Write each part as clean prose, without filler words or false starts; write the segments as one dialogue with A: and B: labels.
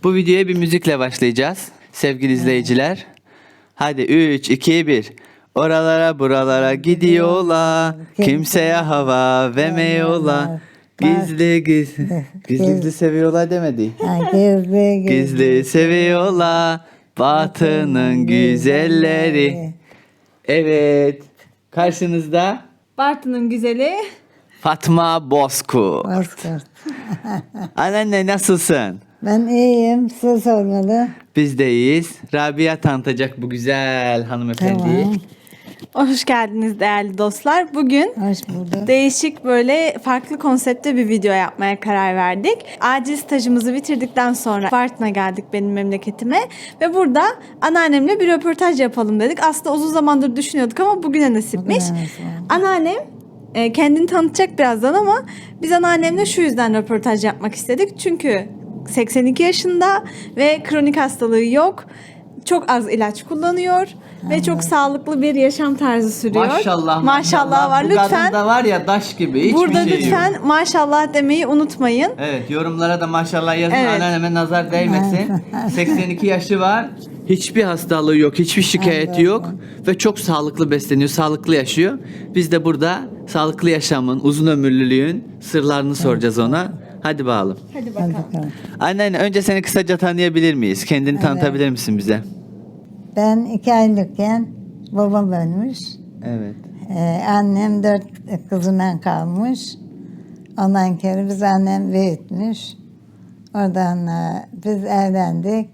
A: Bu videoya bir müzikle başlayacağız sevgili izleyiciler. Hadi 3, 2, 1. Oralara buralara gidiyorlar. Kimseye hava vermiyorlar. Gizli gizli. Gizli seviyorlar demedi. Gizli seviyorlar. Batı'nın güzelleri. Evet. Karşınızda
B: Bartın'ın güzeli.
A: Fatma Bozkurt.
C: Bozkurt.
A: Anneanne nasılsın?
C: Ben iyiyim. Siz sormalı.
A: Biz de iyiyiz. Rabia tanıtacak bu güzel hanımefendiyi.
C: Tamam.
B: Hoş geldiniz değerli dostlar. Bugün
C: Hoş bulduk.
B: değişik böyle farklı konsepte bir video yapmaya karar verdik. Acil stajımızı bitirdikten sonra Bartın'a geldik benim memleketime. Ve burada anneannemle bir röportaj yapalım dedik. Aslında uzun zamandır düşünüyorduk ama bugüne nasipmiş.
C: Bugüne nasip oldu.
B: Anneannem kendini tanıtacak birazdan ama biz anneannemle şu yüzden röportaj yapmak istedik. Çünkü 82 yaşında ve kronik hastalığı yok. Çok az ilaç kullanıyor ve çok sağlıklı bir yaşam tarzı sürüyor. Maşallah var.
A: Bu
B: Lütfen
A: kadın da var ya taş gibi. Hiçbir
B: burada
A: şey
B: lütfen
A: yok.
B: maşallah demeyi unutmayın.
A: Evet, yorumlara da maşallah yazın.
B: Evet.
A: Anneanneme nazar değmesin. 82 yaşı var. Hiçbir hastalığı yok, hiçbir şikayeti yok ve çok sağlıklı besleniyor, sağlıklı yaşıyor. Biz de burada sağlıklı yaşamın, uzun ömürlülüğün sırlarını soracağız ona. Hadi bakalım.
B: Hadi
C: Hadi
B: bakalım.
C: bakalım.
A: Anneanne önce seni kısaca tanıyabilir miyiz? Kendini tanıtabilir misin bize?
C: Ben 2 aylıkken babam ölmüş.
A: Evet.
C: Annem 4 kızından kalmış. Ondan kere biz annem büyütmüş. Oradan biz evlendik.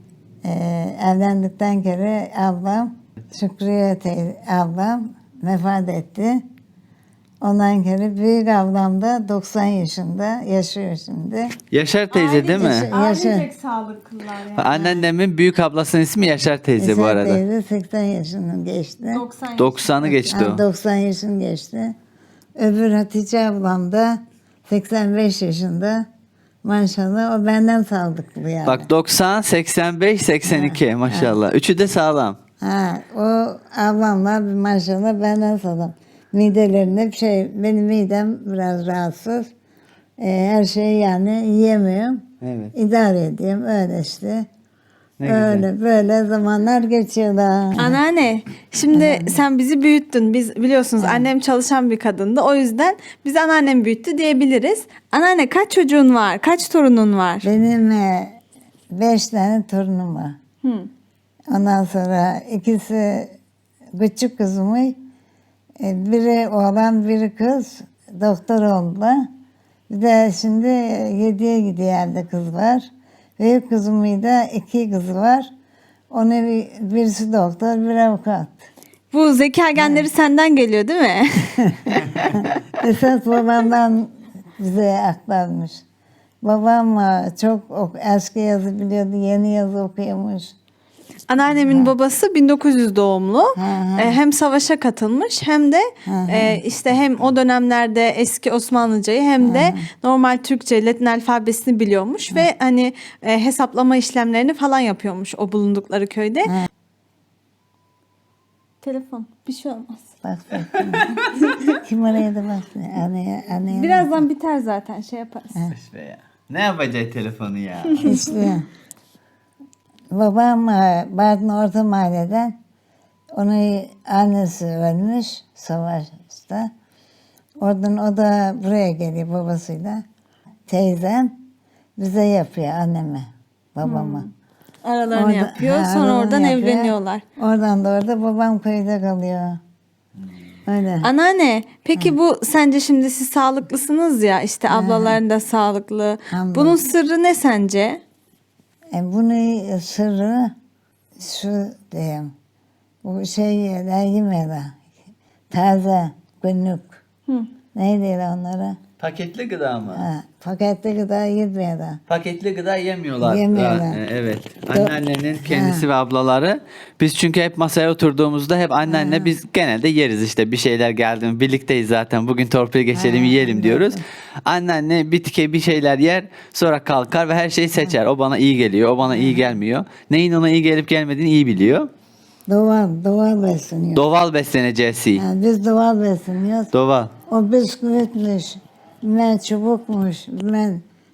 C: Evlendikten kere ablam, Şükriye ablam vefat etti. Ondan kere büyük ablam da 90 yaşında yaşıyor şimdi.
A: Yaşar teyze değil mi?
B: Ailecek sağlıklılar yani.
A: Anneannemin büyük ablasının ismi Yaşar teyze bu
C: Esra
A: arada.
C: teyze 80 yaşını geçti.
B: 90
A: 90'ı geçti o.
C: 90 yaşını geçti. Öbür Hatice ablam da 85 yaşında. Maşallah o benden sağlıklı yani.
A: Bak 90, 85, 82 maşallah. Üçü de sağlam.
C: O ablamla maşallah benden sağlam. Midelerinde bir şey, benim midem biraz rahatsız. Her şeyi yani yiyemiyorum.
A: Evet.
C: İdare ediyorum öyle işte.
A: Ne güzel.
C: Öyle böyle zamanlar geçiyorlar.
B: Anneanne, şimdi sen bizi büyüttün. Biz biliyorsunuz annem çalışan bir kadındı. O yüzden biz anneannem büyüttü diyebiliriz. Anneanne kaç çocuğun var? Kaç torunun var?
C: Benim 5 tane torunum var.
B: Hı.
C: Ondan sonra ikisi küçük kızımı, biri oğlan biri kız doktor oldular. Bir de şimdi 7'ye gidiyor evde kız var. Büyük kızımın da 2 kızı var. Birisi doktor, bir avukat.
B: Bu zeka genleri senden geliyor değil mi?
C: Esas babamdan bize aktarmış. Babam çok eski yazı biliyordu, yeni yazı okuyormuş.
B: Anneannemin babası 1900 doğumlu.
C: Hı.
B: Hem savaşa katılmış hem de işte hem o dönemlerde eski Osmanlıcayı hem de normal Türkçe Latin alfabesini biliyormuş ve hani hesaplama işlemlerini falan yapıyormuş o bulundukları köyde. Telefon bir şey olmaz.
C: Bak. Kim oraya da bak. Anneye.
B: Birazdan biter zaten şey yaparız.
A: İşte ya. Ne yapacak telefonu ya?
C: İşte babam Bartın Orta Mahalle'den, onun annesi ölmüş savaşta. Oradan o da buraya geliyor babasıyla. Teyzem bize yapıyor anneme, babama.
B: Aralarını yapıyor sonra
C: aralarını
B: oradan
C: yapıyor.
B: evleniyorlar.
C: Oradan da orada babam köyde kalıyor. Öyle.
B: Anneanne, peki bu sence şimdi siz sağlıklısınız ya işte ablaların da sağlıklı.
C: Hamdolsun.
B: Bunun sırrı ne sence?
C: Bunun sırrı şu diyeyim. Bu şeyler yemiyorlar. Taze, günlük. Neydi onlara?
A: Paketli gıda mı?
C: Paketli gıda yemiyorlar.
A: Paketli gıda yemiyorlar.
C: Yemiyorlar.
A: Evet. Anneannenin kendisi ve ablaları. Biz çünkü hep masaya oturduğumuzda hep anneanne biz genelde yeriz işte bir şeyler geldi mi birlikteyiz zaten bugün torpil geçelim yiyelim diyoruz. Anneanne bir şeyler yer sonra kalkar ve her şeyi seçer. O bana iyi geliyor, o bana iyi gelmiyor. Neyin ona iyi gelip gelmediğini iyi biliyor.
C: Doğal besleniyor.
A: Doğal besleneceğiz.
C: Yani biz doğal besleniyoruz.
A: Doğal.
C: O bisküvitmiş, bilmem çubukmuş, bilmem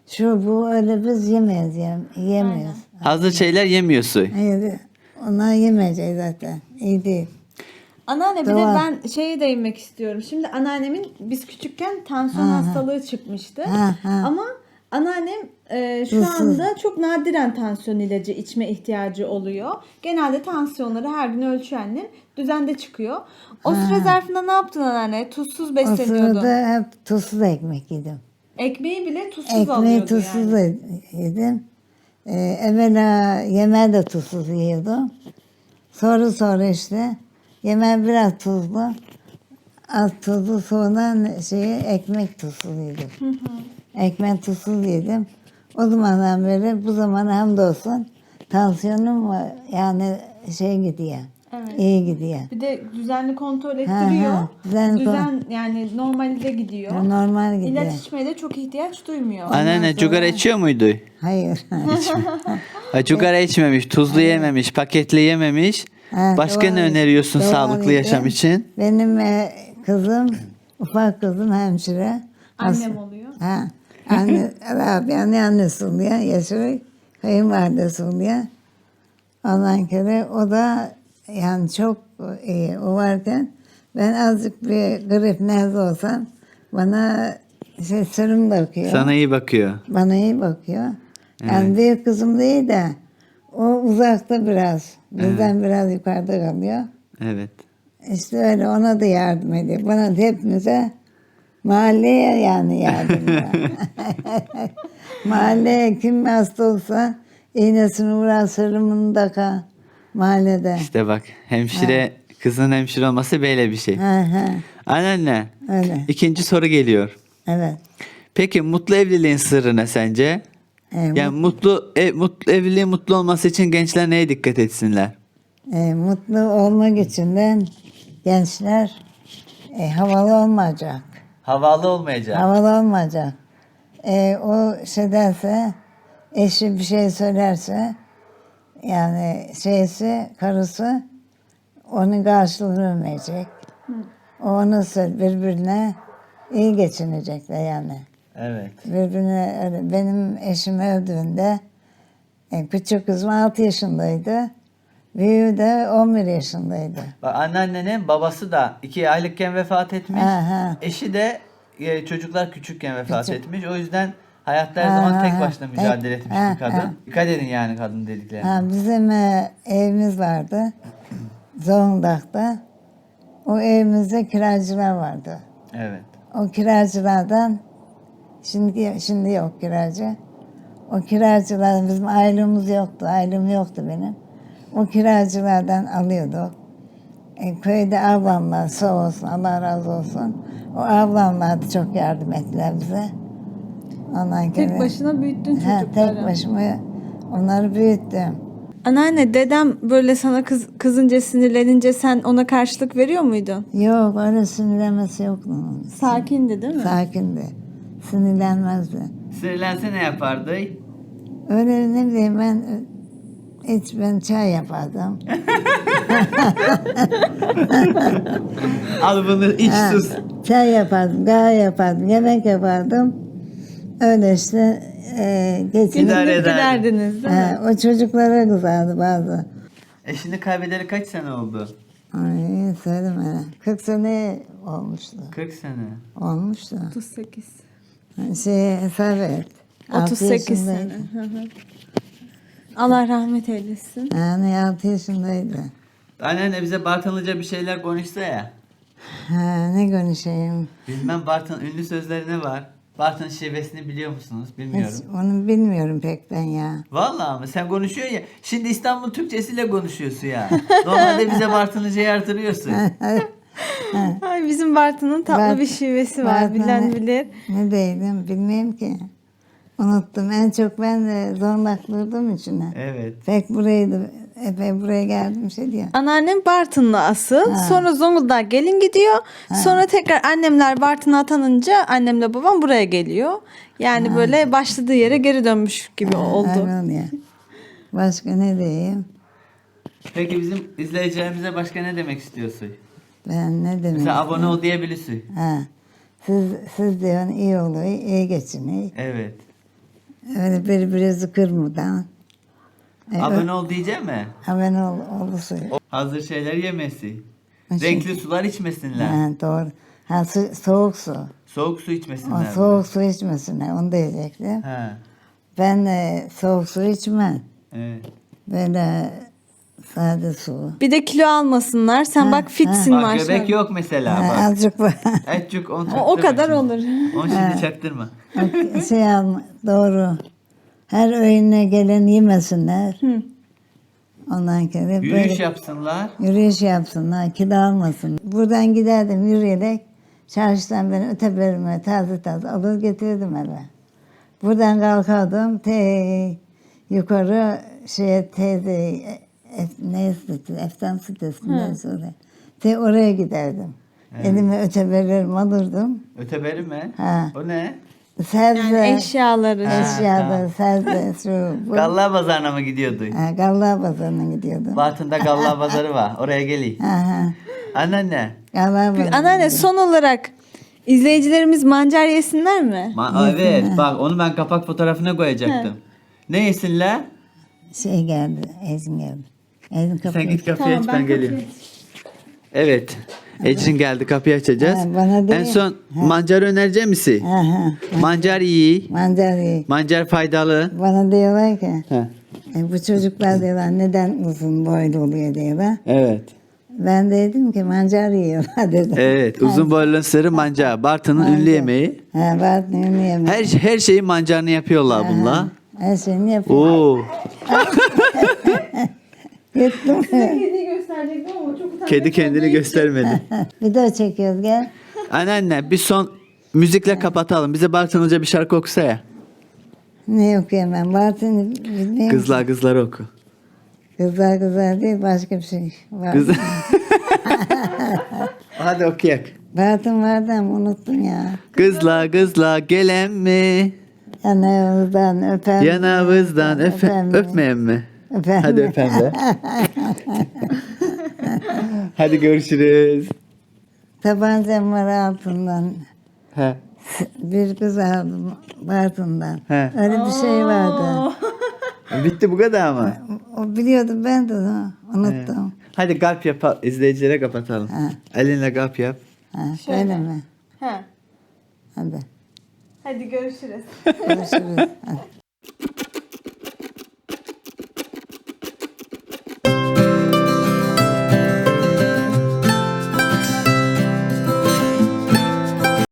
C: şu bu öyle biz yemeyiz, yemiyoruz.
A: Hazır şeyler yemiyorsun.
C: Hayır, onlar yemeyeceğiz zaten. İyi değil.
B: Anneanne bir de
C: Doğal.
B: ben şeye değinmek istiyorum. Şimdi anneannemin biz küçükken tansiyon hastalığı çıkmıştı.
C: Ha, ha.
B: Ama anneannem şu
C: Tuzsuz.
B: anda çok nadiren tansiyon ilacı içme ihtiyacı oluyor. Genelde tansiyonları her gün ölçüyor annem. Düzende çıkıyor. O süre zarfında ne yaptın anneanne? Tuzsuz
C: O
B: besleniyordun.
C: sırada hep tuzsuz ekmek yedim.
B: Ekmeği bile tuzsuz
C: Ekmeği
B: alıyordu
C: tuzsuz
B: yani.
C: yedim. Evvela yemeği de tuzsuz yiyordum. Sonra işte yemeği biraz tuzlu. Az tuzlu sonra ekmek tuzsuz yedim. Ekmek tuzsuz yedim. O zamandan beri bu zamana hamdolsun tansiyonum yani gidiyor.
B: Evet.
C: İyi gidiyor.
B: Bir de düzenli kontrol ettiriyor.
C: düzenli
B: Düzen yani normalde gidiyor.
C: Normal gidiyor.
B: İlaç içmeye de çok ihtiyaç duymuyor.
A: Anneanne cigara içiyor muydu?
C: Hayır.
A: Ha, cigara içmemiş, tuzlu yememiş, paketli yememiş.
C: Ha,
A: Başka
C: doğal-
A: ne öneriyorsun
C: doğal
A: sağlıklı
C: yedim.
A: yaşam için?
C: Benim kızım, ufak kızım hemşire.
B: Annem oluyor.
C: Ha, annesi oluyor, yaşıyor. Kayınvalidesi oluyor. Ondan kere o da yani çok iyi. O varken ben azıcık bir grip nezle olsam bana serum bakıyor.
A: Sana iyi bakıyor.
C: Bana iyi bakıyor. Yani büyük kızım değil de o uzakta biraz. Bizden biraz yukarıda kalıyor.
A: Evet.
C: İşte öyle ona da yardım ediyor. Bana da hepimize mahalleye yani yardım ediyor. Mahalleye kim hasta olsa iğnesini vuran serumunu takar mahallede.
A: İşte bak hemşire, kızın hemşire olması böyle bir şey.
C: Ha, ha,
A: Anneanne,
C: öyle.
A: ikinci soru geliyor.
C: Evet.
A: Peki mutlu evliliğin sırrı ne sence? Yani mutlu evliliğin mutlu olması için gençler neye dikkat etsinler?
C: Mutlu olmak için de gençler havalı olmayacak.
A: Havalı olmayacak.
C: Havalı olmayacak. O derse, eşi bir şey söylerse, yani karısı onun karşılığını vermeyecek. O onu birbirine iyi geçinecekler yani.
A: Evet.
C: Birbirine öyle. Benim eşim öldüğünde küçük kızım 6 yaşındaydı. Büyüğü de 11 yaşındaydı.
A: Bak anneannenin babası da 2 aylıkken vefat etmiş.
C: Aha.
A: Eşi de çocuklar küçükken vefat
C: Küçük.
A: etmiş. O yüzden hayatta her zaman tek
C: Aha.
A: başına mücadele etmiş bir kadın.
C: Aha.
A: Dikkat edin yani kadın dediklerine.
C: Ha, bizim evimiz vardı. Zonguldak'ta. O evimizde kiracılar vardı.
A: Evet.
C: O kiracılardan şimdi yok kiracı. O kiracılar bizim aylığımız yoktu. Aylığım yoktu benim. O kiracılardan alıyorduk. Köyde ablamlar sağ olsun Allah razı olsun. O ablamlar da çok yardım ettiler bize. Ondan
B: Tek
C: sonra-
B: başına büyüttün
C: Ha,
B: çocukları.
C: tek başıma onları büyüttüm.
B: Anneanne dedem böyle sana kızınca sinirlenince sen ona karşılık veriyor muydun?
C: Yok öyle sinirlenmesi yok onun.
B: Sakindi değil mi?
C: Sakindi. Sinirlenmezdi.
A: Sinirlense ne yapardı?
C: Öyle ne bileyim ben çay yapardım.
A: Al bunu iç
C: Ha,
A: sus.
C: çay yapardım, kahve yapardım, yemek yapardım. Öyle işte geçinip.
A: İdare eder.
B: Giderdiniz değil mi?
C: Ha, o çocuklara kızardı bazı.
A: Eşini kaybedeli kaç sene oldu?
C: Ay söyleme. 40 sene olmuştu.
A: 40 sene.
C: Olmuştu.
B: 38.
C: Hesap et.
B: 38
C: 6
B: sene.
C: yaşındaydı.
B: Hı hı. Allah rahmet eylesin.
C: Yani 6 yaşındaydı.
A: Anneanne bize Bartınlıca bir şeyler konuşsa ya.
C: Ha, ne konuşayım?
A: Bilmem Bartın ünlü sözleri ne var? Bartın şivesini biliyor musunuz? Bilmiyorum.
C: Hiç onu bilmiyorum pek ben ya.
A: Vallahi mı? Sen konuşuyorsun ya. Şimdi İstanbul Türkçesiyle konuşuyorsun ya. Normalde bize Bartınlıcayı artırıyorsun.
B: Ay, bizim Bartın'ın tatlı
C: Bart-
B: bir şivesi var.
C: Bartın
B: Bilen
C: ne-
B: bilir.
C: Ne değilim bilmiyorum ki. Unuttum. En çok ben de zorlaklıyordum içine.
A: Evet.
C: Pek epey buraya geldim diyor.
B: Anneannem Bartınlı asıl. Sonra Zonguldak'a gelin gidiyor. Sonra tekrar annemler Bartın'a atanınca annemle babam buraya geliyor. Yani böyle başladığı yere geri dönmüş gibi oldu.
C: Öyle oluyor. Başka ne diyeyim?
A: Peki bizim izleyicilerimize başka ne demek istiyorsun?
C: Ben ne demek?
A: Mesela abone ol diyebilirsin.
C: Ha. Siz diyorsun iyi oluyor, iyi geçiniyor.
A: Evet.
C: Öyle birbirimizi kırmadan.
A: Abone ol diyeceğim mi?
C: Abone olursun.
A: Hazır şeyler yemesi.
C: Nasıl?
A: Renkli sular içmesinler.
C: Ha, doğru. Ha, soğuk su.
A: Soğuk su
C: O
A: içmesinler.
C: soğuk su içmesinler. Onu diyecektim.
A: Ha.
C: Ben soğuk su içmem.
A: Evet.
C: Böyle sade su.
B: Bir de kilo almasınlar. Sen bak fitsin
A: Bak
B: maşallah.
A: göbek yok mesela
C: Ha,
A: bak.
C: azıcık var.
A: Etçük onu
B: O
A: çaktırma
B: kadar
A: şimdi.
B: olur.
A: Onu şimdi çaktırma.
C: Şey alma, doğru. Her öğüne gelen yemesinler. Ondan sonra
A: Yürüyüş
C: böyle
A: yapsınlar.
C: yürüyüş yapsınlar, kilo almasın. Buradan giderdim yürüyerek. Çarşıdan beni öteberime taze taze alır getirdim eve. Buradan kalkardım yukarı teyze ne sitesi, Eftan sitesinden sonra. Oraya giderdim. Elime öteberlerimi alırdım.
A: Öteberi mi?
C: Ha.
A: O ne?
C: Sebze,
B: Yani eşyaları.
C: eşyalar, sebze, şu, bu.
A: Galla pazarına mı gidiyordu?
C: Ha, Galla Pazarı'na gidiyordum.
A: Bartın'da Galla pazarı var. Oraya geleyim.
C: Ha,
A: Anneanne.
C: Galla Pazarı'na
B: Anneanne son olarak izleyicilerimiz mancar yesinler mi?
A: Evet bak onu ben kapak fotoğrafına koyacaktım. Ne yesinler?
C: geldi, Ezin geldi. Ezin kapıyı.
A: Sen git kapıyı aç
B: Tamam,
A: ben geliyorum. Evet. Ecrin geldi kapıyı açacağız.
C: Ha, bana değil.
A: En son mancar önereceğim misin?
C: Ha, ha.
A: Mancar iyi.
C: Mancar iyi.
A: Mancar faydalı.
C: Bana diyorlar ki,
A: Heh.
C: bu çocuklar diyorlar neden uzun boylu oluyor diyorlar.
A: Evet.
C: Ben de dedim ki mancar yiyorlar dedim.
A: Evet. Uzun boylu sırrı mancar. Bartın'ın ünlü yemeği.
C: Ha, Bartın'ın yemeği.
A: Her şeyin mancarını yapıyorlar bunlar.
C: Her şeyini yapıyor.
A: Oo.
C: Gittim.
B: Kediyi gösterecektim ama çok utandım.
A: Kedi kendini göstermedi.
C: Video çekiyoruz gel.
A: Anneanne bir son müzikle kapatalım. Bize Bartınlıca bir şarkı okusa ya.
C: Ne okuyayım ben? Bartın'ı bilmiyorum.
A: Kızlar kızlar oku.
C: Kızlar kızlar değil başka bir şey var.
A: Kız... Hadi okuyak.
C: Bartın vardı ama unuttum ya.
A: Kızla gelen mi?
C: Yanağımızdan öpen.
A: Yanağımızdan
C: mi?
A: öpmeyen mi?
C: Öpen
A: Hadi
C: mi?
A: öpen be. Hadi görüşürüz.
C: Tabancam var altından.
A: He.
C: Bir kız aldım Bartın'dan.
A: He.
C: Öyle bir şey vardı.
A: Bitti bu kadar mı?
C: O biliyordum ben de onu unuttum.
A: Hadi kalp yap, izleyicilere kapatalım.
C: Ha.
A: Elinle kalp yap.
C: Ha, öyle mi?
B: Ha.
C: Hadi
B: Hadi görüşürüz.
C: görüşürüz. Hadi.